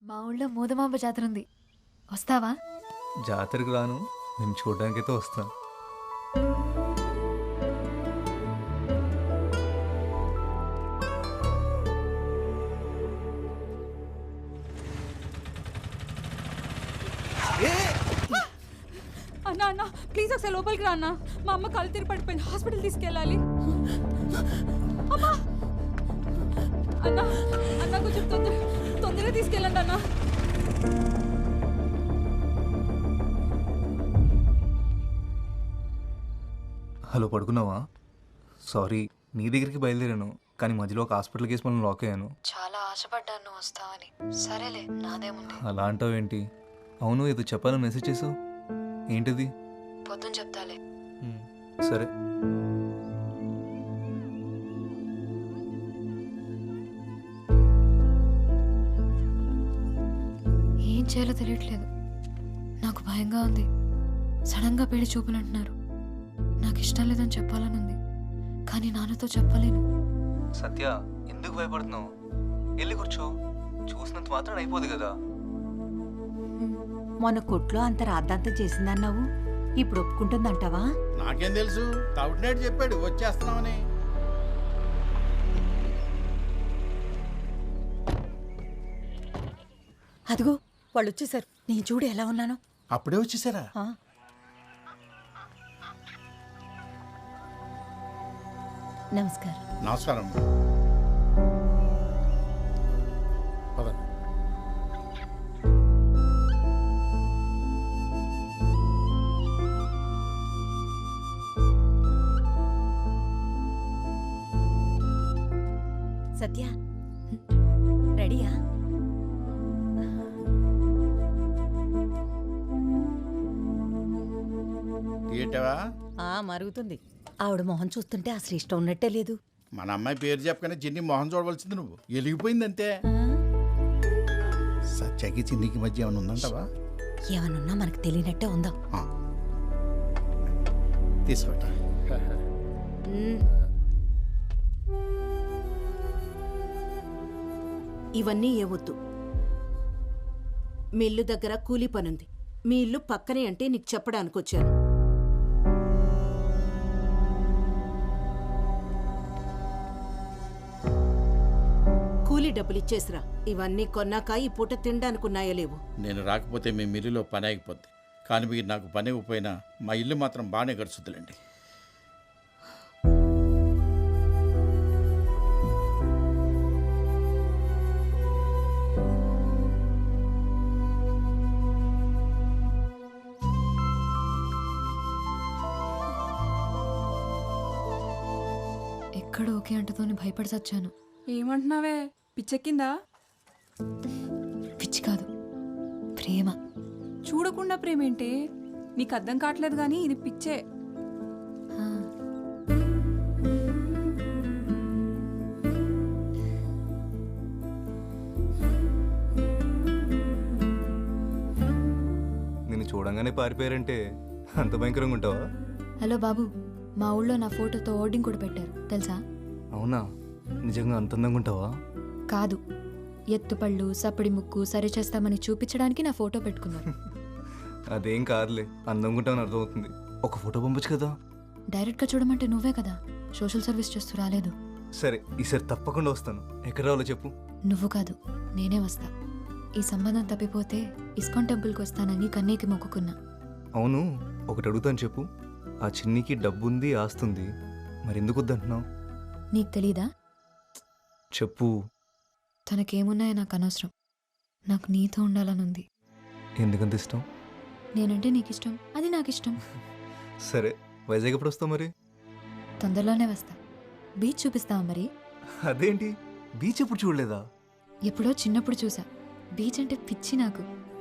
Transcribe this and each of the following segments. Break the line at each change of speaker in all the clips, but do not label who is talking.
మా ఊళ్ళో మూదమాంబ జాతర ఉంది, వస్తావా?
జాతరకు రాను, నేను చూడడానికైతే వస్తాను.
అన్నా అన్నా ప్లీజ్ ఒకసారి లోపలికి రా అన్న. మా అమ్మ కళ్ళు తిరిగి పడిపోయింది, హాస్పిటల్ తీసుకెళ్ళాలి. అమ్మా అన్నా అన్న కొంచెం తొందరగా తీసుకెళ్ళండి అన్న.
హలో, పడుకున్నావా? సారీ, నీ దగ్గరికి బయలుదేరాను, కానీ మధ్యలో ఒక హాస్పిటల్ కేసు మనం లాక్ అయ్యాను.
చాలా ఆశపడ్డాను నువ్వు వస్తావని. సరేలే, నాదేముంది.
అలా అంటావేంటి? అవును, ఏదో చెప్పాలని మెసేజ్ చేసావు, ఏంటిది?
పొద్దున చెప్తాలే.
సరే.
ఏం చేయాలో తెలియట్లేదు, నాకు భయంగా ఉంది. సడన్గా పెళ్లి చూపులు అంటున్నారు. నాకు ఇష్టం లేదని చెప్పాలని ఉంది, కానీ నాన్నతో చెప్పలేను.
సత్య, ఎందుకు భయపడుతున్నావు? వెళ్ళి కూర్చో, చూసినంత మాత్రం అయిపోదు కదా.
మొన్న కొట్లో అంత రాద్ధాంతం చేసిందన్నావు, ఇప్పుడు ఒప్పుకుంటుందంటావా?
నాకేం తెలుసు, తౌటినేడు చెప్పాడు వచ్చేస్తున్నామని.
అదిగో వాళ్ళు వచ్చేసారు, నేను చూడు ఎలా ఉన్నానో.
అప్పుడే వచ్చేసారా?
నమస్కారం.
నమస్కారం. పదండి.
సత్య రెడీయా?
ఏంటవా?
మరుగుతుంది. ఆవిడ మొహం చూస్తుంటే అసలు ఇష్టం ఉన్నట్టే లేదు.
మన అమ్మాయి పేరు చెప్పగానే చిన్ని మొహం చూడవలసింది నువ్వు. వెలిగిపోయింది అంతే. సత్యకి చిన్నికి మధ్య ఏమైనా ఉందంటావా?
ఏమనున్నా మనకు తెలియనట్టే ఉందా?
తీసుకోట.
ఇవన్నీ ఏవద్దు. మీ ఇల్లు దగ్గర కూలీ పనుంది. మీ ఇల్లు పక్కనే అంటే నీకు చెప్పడానికి వచ్చాను. కూలీ డబ్బులు ఇచ్చేసిరా. ఇవన్నీ కొన్నాక ఈ పూట తినడానికి ఉన్నాయో లేవు.
నేను రాకపోతే మీ మిల్లులో పని ఆగిపోద్ది, కానీ మీరు నాకు పని ఇవ్వకపోయినా మా ఇల్లు మాత్రం బాగానే గడుచుద్దులేండి.
ఎక్కడ ఓకే అంటతోని భయపడి చచ్చాను.
ఏమంటున్నావే, పిచ్చెక్కిందా?
పిచ్చి కాదు, ప్రేమ.
చూడకుండా ప్రేమేంటి? నీకు అర్థం కావట్లేదు కానీ ఇది పిచ్చే.
ఆ.
నిన్ను చూడంగానే పారిపోయారంటే అంత భయంకరంగా ఉంటావా?
హలో బాబు, మా ఊళ్ళో నా ఫోటోతో హోర్డింగ్ కూడా పెట్టారు, తెలుసా?
అవునా? నిజంగా అంత అందంగా ఉంటావా?
కాదు, ఎత్తుపళ్ళు సప్పడి ముక్కు సరి చేస్తామని చూపించడానికి నా ఫోటో పెట్టుకున్నారు.
అదేం కాదులే, అందంగా ఉంటావని అర్థమవుతుంది. ఒక ఫోటో పంపొచ్చు కదా.
డైరెక్ట్గా చూడమంటే నువ్వే కదా సోషల్ సర్వీస్ చేస్తూ రాలేదు.
సరే, ఈసారి తప్పకుండా వస్తాను. ఎక్కడ రావాలో చెప్పు.
నువ్వు కాదు, నేనే వస్తా. ఈ సంబంధం తప్పిపోతే ఇస్కాన్ టెంపుల్కి వస్తానని కన్నీకి మొక్కుకున్నా.
అవును, ఒకటి అడుగుతాను చెప్పు. ఆ చిన్నికి డబ్బుంది, ఆస్తుంది, మరి ఎందుకు వద్దంటున్నావు?
నీకు తెలీదా?
చెప్పు.
తనకేమున్నాయో నాకు అనవసరం, నాకు నీతో ఉండాలనుంది.
ఎందుకంత ఇష్టం?
నేనంటే నీకు ఇష్టం, అది నాకు ఇష్టం.
సరే, వైజాగ్ ఎప్పుడు వస్తావు మరి?
తొందరలోనే వస్తా. బీచ్ చూపిస్తావా మరి?
అదేంటి, బీచ్ ఎప్పుడు చూడలేదా?
ఎప్పుడో చిన్నప్పుడు చూసా. బీచ్ అంటే పిచ్చి నాకు.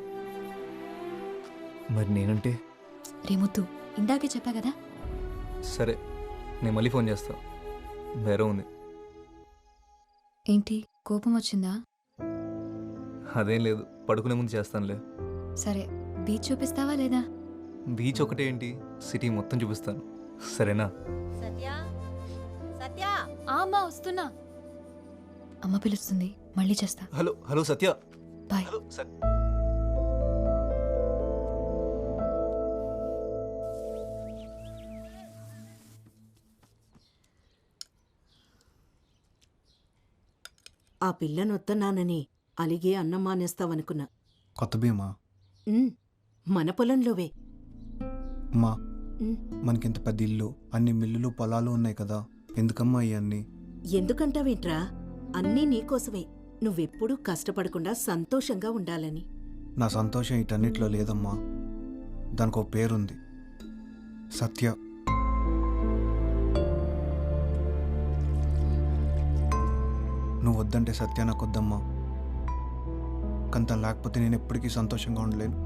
మరి నేనంటే?
రేముద్దు, ఇందాకే చెప్పా కదా.
సరే, నేను మళ్ళీ ఫోన్ చేస్తా. వేరే ఉంది.
ఏంటి, కోపం వచ్చిందా?
అదేం లేదు, పడుకునే ముందు చేస్తానులే.
సరే, బీచ్ చూపిస్తావా లేదా?
బీచ్ ఒకటే ఏంటి, సిటీ మొత్తం చూపిస్తాను, సరేనా?
సత్య సత్య
అమ్మా వస్తున్నా. అమ్మ పిలుస్తుంది, మళ్ళీ చేస్తా.
Hello hello Satya,
bye.
Hello sir.
ఆ పిల్లనొత్తన్నానని అలిగే అన్నం మానేస్తావనుకున్నా.
కొత్త భీమా
ఉమ్, మన పొలంలోవే.
అమ్మా
ఉమ్,
మనకింత పెద్ద ఇల్లు, అన్ని మిల్లులు పొలాలు ఉన్నాయి కదా, ఎందుకమ్మా ఇవన్నీ?
ఎందుకంటావేంట్రా? అన్నీ నీకోసమే. నువ్వెప్పుడూ కష్టపడకుండా సంతోషంగా ఉండాలని.
నా సంతోషం వీటన్నిటిలో లేదమ్మా. దానికి ఒక పేరుంది, సత్య. నువ్వు వద్దంటే సత్య నాకు వద్దమ్మా. కానీ తను లేకపోతే నేను ఎప్పటికీ సంతోషంగా ఉండలేను.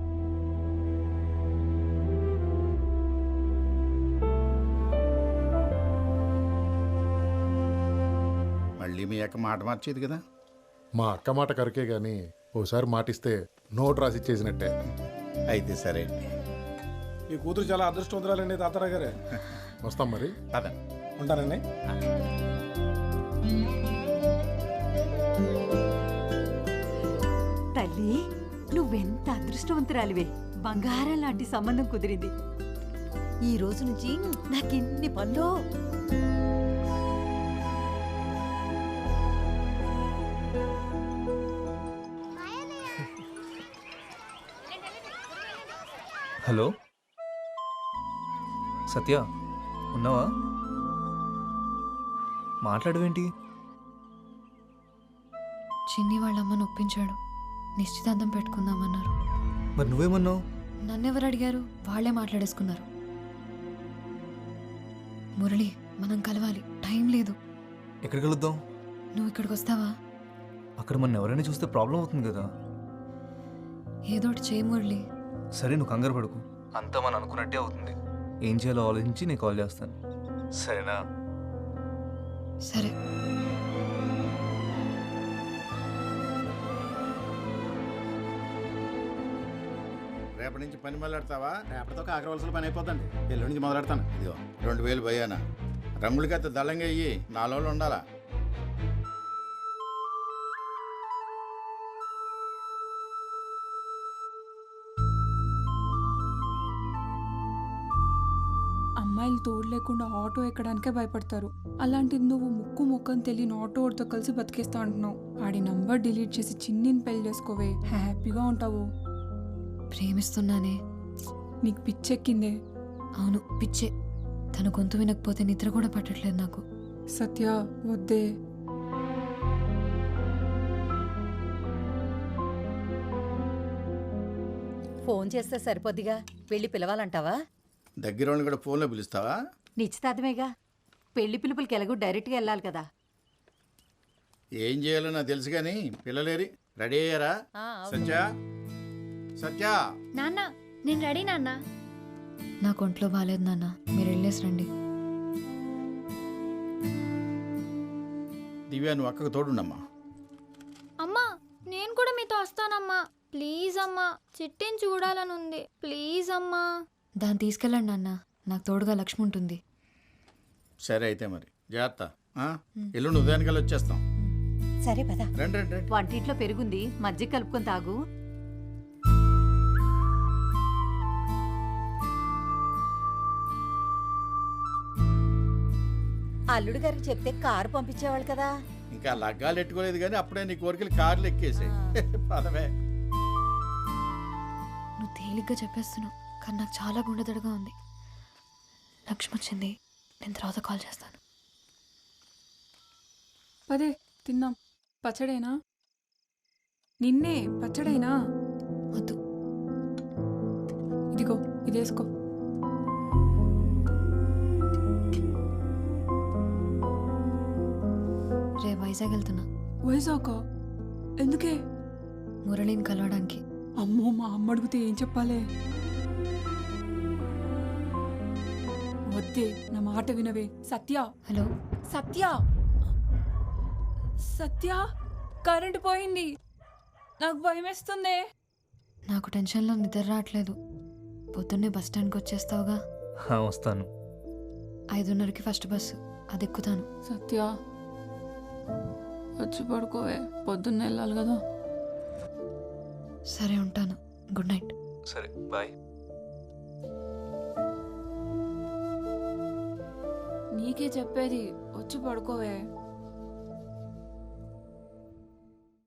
మళ్ళీ మీ అక్క మాట మార్చేది కదా.
మా అక్క మాట కరికే గాని ఓసారి మాటిస్తే నోట్ రాసి ఇచ్చేసినట్టే.
అయితే సరే.
ఈ కూతురు చాలా అదృష్టవంతురాలండి తాతారావు గారు.
వస్తాం మరి.
పదండి.
ఉంటానండి.
తల్లి నువ్వెంత అదృష్టవంతురాలివే. బంగారం లాంటి సంబంధం కుదిరింది. ఈ రోజు నుంచి నాకెన్ని పనులు.
హలో సత్య, ఉన్నావా? మాట్లాడవేంటి?
చిన్ని వాళ్ళ అమ్మను ఒప్పించాడు. నిశ్చితార్థం పెట్టుకుందామన్నారు.
మరి నువ్వేమన్నావు?
నన్నెవరు అడిగారు? వాళ్ళే మాట్లాడేసుకున్నారు. మురళి, మనం కలవాలి, టైం లేదు.
ఎక్కడికి వెళుద్దాం?
నువ్వు ఇక్కడికి వస్తావా?
అక్కడ మన ఎవరైనా చూస్తే ప్రాబ్లం అవుతుంది కదా.
ఏదోటి చేయి మురళి.
సరే, నువ్వు కంగారు పడుకు. అంతా మనం అనుకున్నట్టే అవుతుంది. ఏం చేయాలో ఆలోచించి నేను కాల్ చేస్తాను, సరేనా?
సరే.
రేపటి నుంచి పని మొదలెడతావా?
రేపటితో కాకరవలసిన పని అయిపోద్దండి. ఎల్లుండి నుంచి మొదలెడతాను.
ఇదిగో 2000 భయానా. రంగులకైతే దళంగా అయ్యి 4 రోజులు ఉండాలా.
అమ్మాయిలు తోడు లేకుండా ఆటో ఎక్కడానికే భయపడతారు. అలాంటిది నువ్వు ముక్కు ముక్కని తెలియని ఆటో వాడితో కలిసి బతికేస్తా అంటున్నావు. ఆడి నంబర్ డిలీట్ చేసి చిన్నిని పెళ్లి చేసుకోవే, హ్యాపీగా ఉంటావు.
ప్రేమిస్తున్నానే.
నీకు పిచ్చెక్కిందే.
అవును, పిచ్చే. తన గొంతు వినకపోతే నిద్ర కూడా పట్టట్లేదు నాకు.
సత్య, వద్దే.
ఫోన్ చేస్తే సరిపోద్దిగా. వెళ్ళి పిలవాలంటావా?
దగ్గర వాళ్ళని కూడా ఫోన్లో పిలుస్తావా?
నిశ్చితార్థమేగా. పెళ్లి పిలుపులకి ఎలాగో డైరెక్ట్గా వెళ్ళాలి కదా.
ఏం చేయాలో నాకు తెలుసు కానీ పిల్లలేరి రెడీ అయ్యారా? సత్య, సత్య.
నాన్న, నేను రెడీ నాన్న.
నాకు ఒంట్లో బాగాలేదు నాన్న, మీరు వెళ్ళేసి రండి.
దివ్య, నువ్వు అక్కకు తోడుండమ్మా.
అమ్మా, నేను కూడా మీతో వస్తానమ్మా. ప్లీజ్ అమ్మా, చిట్టిని చూడాలని ఉంది. ప్లీజ్ అమ్మా.
దాన్ని తీసుకెళ్ళండి నాన్న, నాకు తోడుగా లక్ష్మి ఉంటుంది.
సరే అయితే మరి జాగ్రత్త. ఎల్లుండి ఉదయానికల్లా వచ్చేస్తాం.
సరే పద.
రండి రండి రండి.
వంటింట్లో పెరుగుంది, మజ్జిగ కలుపుకొని తాగు. అల్లుడు గారికి చెప్తే కారు పంపించేవాళ్ళు కదా.
ఇంకా లగ్గాలు ఎట్టుకోలేదు కానీ అప్పుడే నీ కోరికలు కార్లు ఎక్కేసాయి. పదవే.
నువ్వు తేలిగ్గా చెప్పేస్తున్నావు, కానీ నాకు చాలా గుండెదడగా ఉంది. లక్ష్మి వచ్చింది, నేను తర్వాత కాల్ చేస్తాను.
పదే, తిన్నాం. పచ్చడేనా? నిన్నే పచ్చడేనా?
వద్దు.
ఇదిగో, ఇదేసుకో.
రే వైజాగ్ వెళ్తున్నా.
వైజాగ్? ఎందుకే?
మురళిని కలవడానికి.
అమ్మో, మా అమ్మ అడిగితే ఏం చెప్పాలే? వద్దే, నా మాట వినవే. సత్య.
హలో
సత్య, సత్య, కరెంటు పోయింది. నాకు భయం వేస్తుంది.
నాకు టెన్షన్లో నిద్ర రావట్లేదు. పొద్దున్నే బస్ స్టాండ్కి వచ్చేస్తావుగా?
వస్తాను.
5:30కి ఫస్ట్ బస్సు, అది ఎక్కుతాను.
సత్య, వచ్చి పడుకోవే, పొద్దున్న వెళ్ళాలి కదా.
సరే ఉంటాను. Good night.
సరే బాయ్.
నీకే చెప్పేది, వచ్చి పడుకోవే.